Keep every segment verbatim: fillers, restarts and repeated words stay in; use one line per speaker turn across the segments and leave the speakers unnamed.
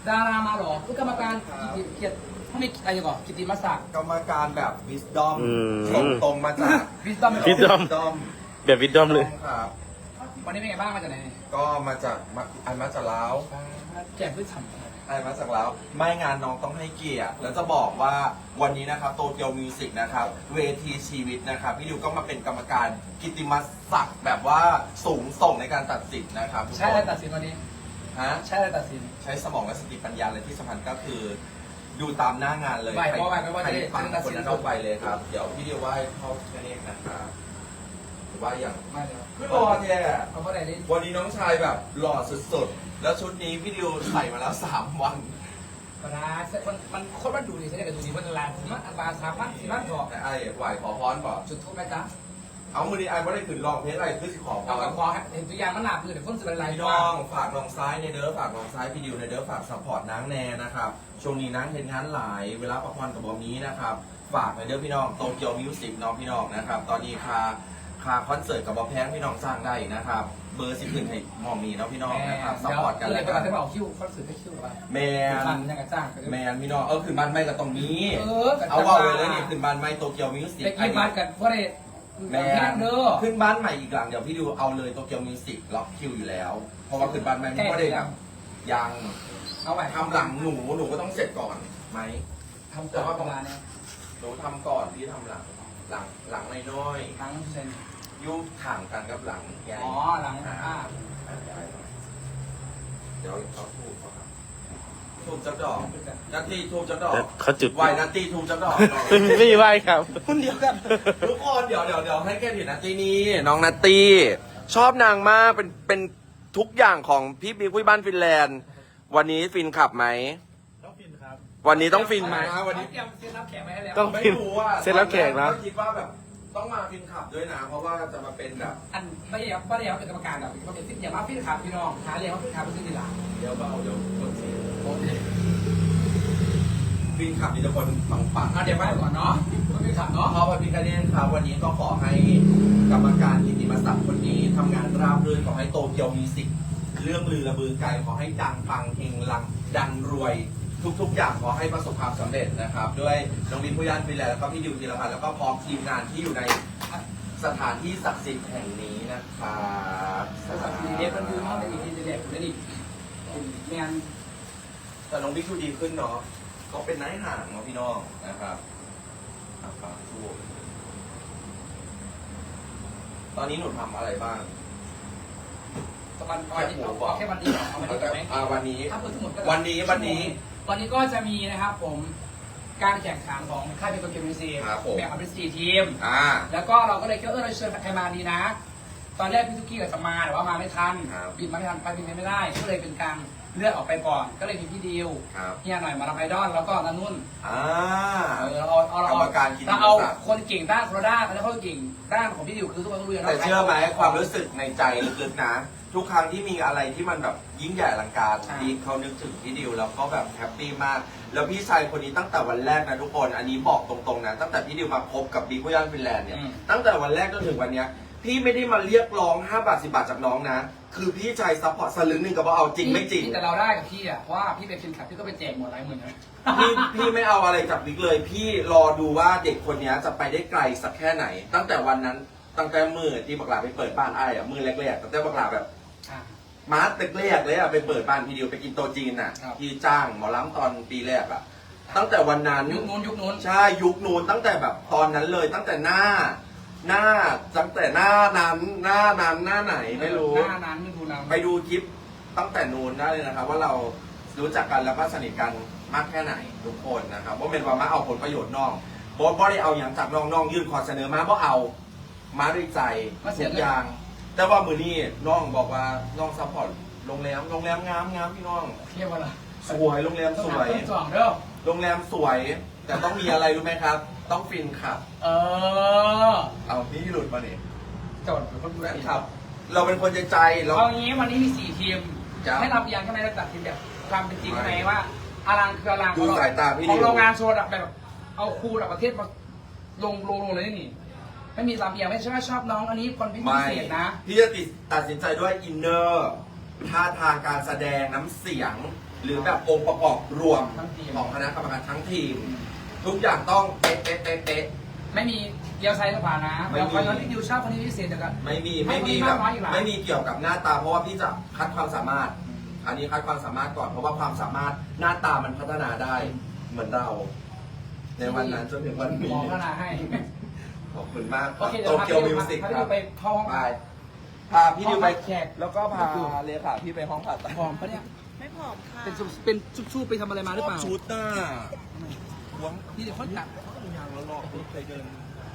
ดารามาหรอคือกรรมการกิติเกียรติถ้าไม่อะไรก่อนกิติมศักดิ์
กรรมการแบบวิสดอม
อืม
ตรงตรงมาจาก
วิสตอม
Wisdom
ดอม
แบบวิดดอมเลย
ครับ
วันนี้เป็นไงบ้างมาจากไหน
ก็มาจากมาอันมาจากลาว
แจกพืชฉ่ำ
อันมาจากลาวไม่งานน้องต้องให้เกียรติแล้วจะบอกว่าวันนี้นะครับโตเกียวมิวสิกนะครับเวทีชีวิตนะครับพี่ดิวก็มาเป็นกรรมการกิตติมศักดิ์แบบว่าสูงส่งในการตัดสินนะครับทุกคน
ใช่อะไรตัดสินวันนี้
ฮะ
ใช่อะไรตัดสิน
ใช้สมองและสติปัญญาเลยที่สำคัญก็คือ ดูตามหน้างานเลย
ไหวเพราะว่าไม่ว่า
ใคร
จะได้
ฟัง
ตัด
ค
สิ
น
น
นั้นเอาไปเลยครับ เดี๋ยวพี่ดิวไหว้เข้าแค่นี้นะครับหรือว่าอย่าง
ไม่เลย
คือรอแท้
เขาก็ได้เล่น
วันนี้น้องชายแบบหล่อสุดๆ แล้วชุดนี้พี่ดิวใส่มาแล้วสามวัน
ปลามันมันโคตรมันดูดีใช่ไหมกับดูดีมันลานมันอันบาสามมันสี่มันถอด
แต่ไอ้ไหวขอพรก่อน
จุดทูบไหมจ๊ะ
เอามือนี้ไอ้ไม่ได้ขึ้นลองเพลงอะไรคือสิขอพ
เอากับ
ร
คอเห็นตัวอย่างมันหนาพื้นเดี๋ยวคนสื่ออะไร
พี่น้องฝากน้องซ้ายในเด้อฝากน้องซ้ายพี่ดิวในเด้อฝากซัพพอร์ตนางแน่นะครับช่วงนี้นางเห็นงานหลายเวลาประพรกับบอมนี้นะครับฝากในเด้อพี่น้องโตเกียวมิวสิกน้องพี่น้องนะครับตอนนี้คาคาคอนเสิร์ตกับบอมแพงพี่น้องสร้างได้นะครับเบอร์สิบขึ้นให้มอมีเนาะพี่น้องนะครับซัพพอร์ตกัน
เล
แล้
ยว ไป
กั
ก่อน นจะบอกคิวคอนเสิร์ตให้คิวหรือเปล่า
แมน
ฟังยังกระจ้าง
แมนพี่น้องเออขึ้นบ้านไม่กับตรงนี้
เออ
เอาว่าเลยเลยนี่ขึ้นบ้านไม่โตเกียวมิวสิก
ไปกินบ้านกันเพราะได้
แม
แม่
น
เด้อ
ขึ้นบ้านใหม่อีกหลังเดี๋ยวพี่ดูเอาเลยโตเกียวมิวสิกล็อกคิวอยู่แล้วเพราะว่าขึ้นบ้านใหม่ไม่ได้แบบยัง
เอาไว้
ทำหลังหนูหนูก็ต้องเสร็จก่อนไหม
ทำแต่ว่าประมาณนี้
หนูทำก่อนพี่ทำหลังหลังหลังน้อย
ทั้งเซน
ๆยุ่งถ่างกันกับหลังใหญ่
อ๋อหลังอ่า
เดี๋ยวเขาทูบเขาครับทูบจักดอกนัตตี้ทูบจักดอก
เขาจุด
ไหวนัตตี้ทูบจักดอก
ไม่มีไม่มีไหวครับ
คนเดียวกันทุกคนเดี๋ยวเดี๋ยวเดี๋ยวให้แกเห็นนัตตี้นี้น้องนัตตี้ชอบนางมากเป็นเป็นทุกอย่างของพี่บิ๊กคุยบ้านฟินแลนด์ วันนี้ฟินขับไหม
ต้องฟินครับ
วันนี้ต้องฟินไหมวันนี้
เตรียมเซ็นรับแขกไว้ให้แล้ว
ต้อง
ไม่รู้ว่า
เสร็จแล้วแขกนะ
คิดว่าแบบต้องมาฟินขับด้วยนะ เพราะว่าจะมาเป็นแบบ
อันไม่ได้ไม่ได้เป็นกรรมการแบบเขาเป็นฟิตอย่ามาฟิตขาพี่น้องหาเรียกว่าฟิตขาเป็นฟิตดีหลัง
เดี๋ยวเบาเดี๋ยวคนเสียฟินขับมีแต่คนปังปัง
เอาเดี๋ยวไปก่อนเนาะไม่ฟิตขาเนาะ
เพราะว่าพี่คะแนนครับวันนี้ก็ขอให้กรรมการกิตติมศักดิ์คนนี้ทำงานราบรื่นขอให้โตเกียวมิวสิกเรื่องลือระบือไกลขอให้ดังปังเฮงลังดังรวย ทุกๆ อย่างขอให้ประสบความสำเร็จนะครับ ด้วยน้องวินผู้ย่านฟินแลนด์แล้วก็พี่ดิวธีรพันธ์แล้วก็พร้อมทีมงานที่อยู่ในสถานที่ศักดิ์สิทธิ์แห่งนี้นะครับ
ภาษาดีเด็กมันคือห้องในอีกทีเด็กได้ดิงาน
แต่น้องบิ๊กดูดีขึ้นเนาะก็เป็นนายห่างเนาะพี่น้องนะครับอ่ะฟังทูบตอนนี้หนูทำอะไรบ้าง
วันวันนี้เอาแค่วันนี้เอาวันนี้ก่อนไหม
อ่าวันนี้
ถ้าเปิดทั้งหมดก็
วันนี้วันนี้
วันนี้ก็จะมีนะครับผมการแข่งขันของค่ายเป็นโตเกียวมิวสิก
ครับผม
แบ่งออกเป็นสี่ทีม
อ่า
แล้วก็เราก็เลยคิดว่าเออเราเชิญใครมาดีนะ ตอนแรกพี่ทุกกี้กับจะมาแต่ว่ามาไม่ทัน
ครับ
บิดมาไม่ทันไปบินไม่ได้ ก็เลยเป็นการเลือกออกไปก่อน ก็เลยมีพี่ดิว
ครับ
เฮียหน่อยมาทำไอดอลแล้วก็นันนุ่น
อ่า
เออเราเอาเอาเรา
กรรมการกิตติมศักดิ์
เราเอาคนเก่งด้านคนละด้านแล้วเขาเก่งด้านของพี่ดิวคือทุกคนรู้อยู่แล้ว
แต่เชื่อไหมความรู้สึกในใจลึกๆนะ ทุกครั้งที่มีอะไรที่มันแบบยิ่งใหญ่อลังการดีเขานึกถึงพี่ดิวแล้วก็แบบแฮปปี้มาก แล้วพี่ชายคนนี้ตั้งแต่วันแรกนะทุกคน อันนี้บอกตรงๆนะตั้งแต่พี่ดิวมาคบกับบิ๊กพุย่านฟินแลนด์เนี่ยตั้งแต่วันแรกจนถึงวันเนี้ยพี่ไม่ได้มาเรียกร้องห้าบาทสิบาทจากน้องนะ คือพี่ชายซัพพอร์ตสลึงหนึ่งกับว่าเอาจริงไม่จริง
แต่เราได้กับพี่อ่ะเพราะว่าพี่เป็นฟินคลับพี่ก็ไปแจกหมดหลายหมื่นนะ
พี่พี่ไม่เอาอะไรจากบิ๊กเลย พี่รอดูว่าเด็กคนนี้จะไปได้ไกลสักแค่ไหน ตั้งแต่วันนั้นตั้งแต่มือที่บักหลาไปเปิดบ้านไอ้อะมือแรกๆตั้งแต่บักหลาแบบ
อ่ะ
มาร์ตแรกๆเลยอะไปเปิดบ้านพี่ดิวไปกินโตะจีนน่ะ
ครับ
ที่จ้างหมอล้ำตอนปีแรกอะตั้งแต่วันนั้น
ยุคนู้นยุคนู้น
ใช่ยุคนู้นตั้งแต่แบบตอนนั้นเลย ตั้งแต่หน้า หน้าตั้งแต่หน้านั้นหน้านั้นหน้าไหนไม่รู้
หน้านั้นไม่ดูนำ
ไปดูคลิปตั้งแต่นู้นได้เลยนะครับ ว่าเรารู้จักกันแล้วก็สนิทกันมากแค่ไหนทุกคนนะครับว่าเป็นว่ามาเอาผลประโยชน์น้องบอสบ่ได้เอาอย่างจากน้องน้องยื่นขอเสนอมาบ่เอามาด้วยใจทุกอย่าง แต่ว่ามือนี้น้องบอกว่าน้องซัพพอร์ตโรงแรมโรงแรมงามงามพี่น้อง
เทียบว่าอะไร
สวยโรงแรมสวย
สองเด้อ
โรงแรมสวย แต่ต้องมีอะไรรู้ไหมครับ ต้องฟินขับ
เออ
เอาพี่หลุดมาเนี่ย
จดเป็นคนดู
แฟ
แล
นขับ เราเป็นคนใจใจเรา
เอางี้วันนี้มีสี่ทีม
จ้ะ
ให้รับยังใช่ไหมเราตัดทีมแบบความเป็นจริงไหมว่าอลังคืออลัง
ดูสายตาพี่
ข
ดิ
อง
ว
โรงงานโซนอะแบบเอาครูระดับประเทศมาลงลงลงเลยนี่ไม่มีลำเอียงไม่ใช่ว่าชอบน้องอันนี้คนพิ
ไม่
เศษนะ
พี่จะติดตัดสินใจด้วยอินเนอร์ท่าทางการแสดงน้ำเสียง หรือแบบองค์ประกอบรวมของคณะกรรมการทั้งทีม ทุกอย่างต้องเป๊ะเป๊ะเป๊ะเป๊ะ
ไม่มีเดียวไซส์สปานะ
ไม่มี
เราคอยย้อนที่ดิวชอบคนนี้พิเศษเดี๋ยวกัน
ไม่มี
ให้
ไม่มี
คนนี้
แบบ
มากน้อยอีกหลาย
ไม่มีเกี่ยวกับหน้าตาเพราะว่าพี่จะคัดความสามารถ อันนี้คัดความสามารถก่อนเพราะว่าความสามารถหน้าตามันพัฒนาได้เหมือนเรา ในวันนั้นจนถึงวันนี้
หมอพัฒนาให้
ขอบคุณมาก
โอเค
โต
เดี๋ยว
เกียวมิวสิก
พา
ค
พี่
รั
ดิ
บ
วไปเข้าห้อง
ไปพาพี่ดิวไป
แขก
แล้วก็พาเลขาพี่ไปห้องผ่าตัด
ผอมปะเนี่ย
ไม่ผอมค่ะ
เป็นซุปเป็นชุบๆไปทำอะไรมาหรือเปล่า
ชุดน่ะหวง
นี่เดี๋ยวคนตัด
ยางแล้วรอเคยเดิน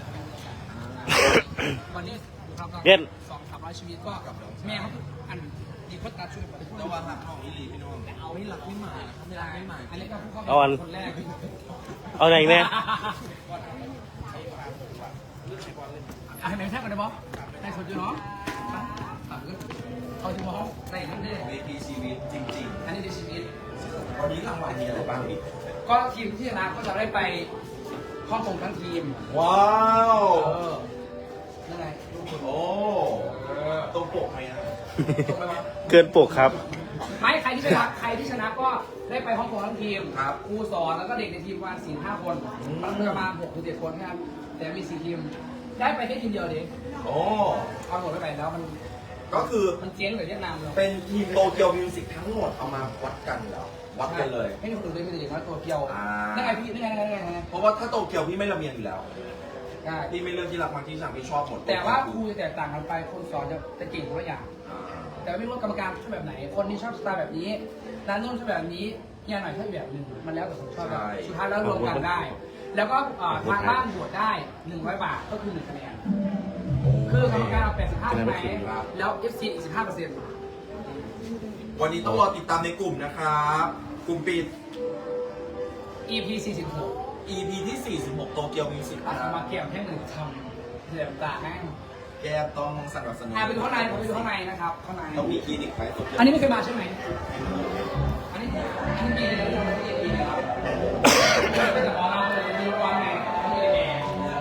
วันนี้ครับ
เย็น
สองสามร้อยชีวิตก็แม่เขาอันดีคนตัดช่วยไปพูด
แต่ว่าหักห้องอีหลีพี่น้องเอาไม่หลักไม่หมายนะครับไม่หลักไม่หมาย
อันนี้ก็ผู้เข้า
เอาอัน
คนแรก
เอาไหนเนี่ย
อ่ะให้แม่แท้กันได้บอได้สดอยู่เนาะเขาจะบอกได้นั่นเอง
เวทีชีวิตจริง
อันนี้ในชีวิต
ๆ วันนี้รางวัลมีอะไรบ้างพี่
ก็ทีมที่ชนะก็จะได้ไปฮ่องกงทั้งทีม
ว้าว
เออนั่นไง
โอ้ตรงปกไหมนะ
ตรงไปวะ
เกินปกครับ
ไม่ใครที่ชนะใครที่ชนะก็ได้ไปฮ่องกงทั้งทีม
ครับ
ครูสอนแล้วก็เด็กในทีมประมาณสี่ห้าคนประมาณหกถึงเจ็ดคนนะครับแต่มีสี่ทีม ได้ไปแค่ทีมเดียวเอง
โอ้
เอาหมดไปไปแล้วมัน
ก็คือ
มันเจ๊งกับเวียดนามเลย
เป็นทีมโตเกียวมิวสิกทั้งหมดเอามาวัดกันเหรอ วัดกันเลย
ไม่มีคนอื่นเลยมีแต่เด็กน้อยตัวเกียว
อ่า
นั่นไงพี่นั่นไงนั่นไงนั่นไง
เพราะว่าถ้าโตเกียวพี่ไม่ระเบียงอยู่แล้ว
ได้
พี่ไม่เลือกที่รักมักที่ชังพี่ชอบหมด
แต่ว่าครูจะแตกต่างกันไปคนสอนจะจะเก่งคนละอย่าง
อ่า
แต่ไม่รู้ว่ากรรมการชอบแบบไหน คนที่ชอบสไตล์แบบนี้ร้านนู้นชอบแบบนี้ยาหน่อยชอบแบบหนึ่งมันแล้วแต่คนชอบแบบสุดท้ายแล้วรวมกันได้ แล้วก็เอ่อทางบ้านบวชได้หนึ่งร้อยบาทก็คือหนึ่งคะแนน คือกรรมการเอาแปดสิบห้าใช่ไหมแล้ว เอฟ ซี อีกสิบห้าเปอร์เซ็นต์
วันนี้ต้องรอติดตามในกลุ่มนะครับ กลุ่มปิด
อี พี สี่สิบหก
อี พี ที่ สี่สิบหก โตเกียวมิวสิก
อาสมาเกี่ยวแค่หนึ่งทำเหลี่ยมตาแม่ง
แกต้องสนับสนุน
อ่ะไปดูข้างในผมไปดูข้างในนะครับ ข้างใน
ต้องมีคลินิกไฟโตเกียว
อันนี้ไม่เคยมาใช่ไหม อันนี้อันนี้มีอะไรบ้างที่มีนะครับเป็นแต่หมอเราเลยมีร้อนไงมีแอร์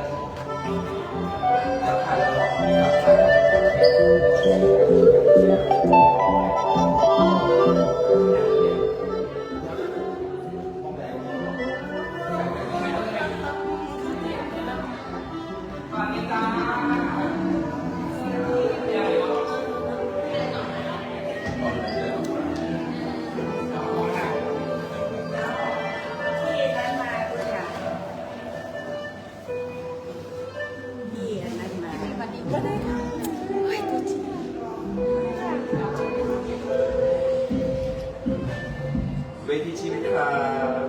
เวทีชีวิตครับ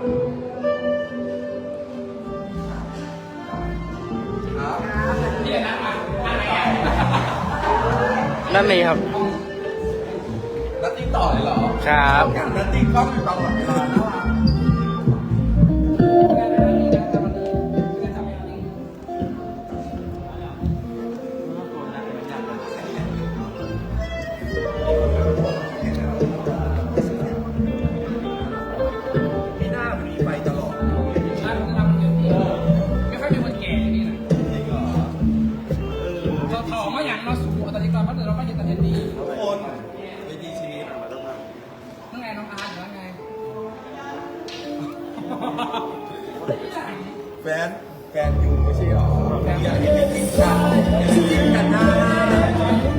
ครับ
เนี่ยนะอ่ะอะไรอ่ะ
นั่นเองครับ
นัตติ้งต่อเลยเหรอ
ครับ
อย่างนัตติ้งก็อยู่ตลอดเวลานะล่ะพี่หน้ามันมีไฟตลอด
ไม่ค่อยมีคนแก่อย่างนี้นะเราถอมาอย่างเราสูงตอนนี้ก่อนเพราะเราไม่เห็นตอนนี้
ทุกคนเวทีชีวิต
นั่นไงน้องอาร์ตอยู่นั่นไง
แฟน แฟนอยู่ไม่ใช่หรออยากให้เป็นกินกันกินกันนะ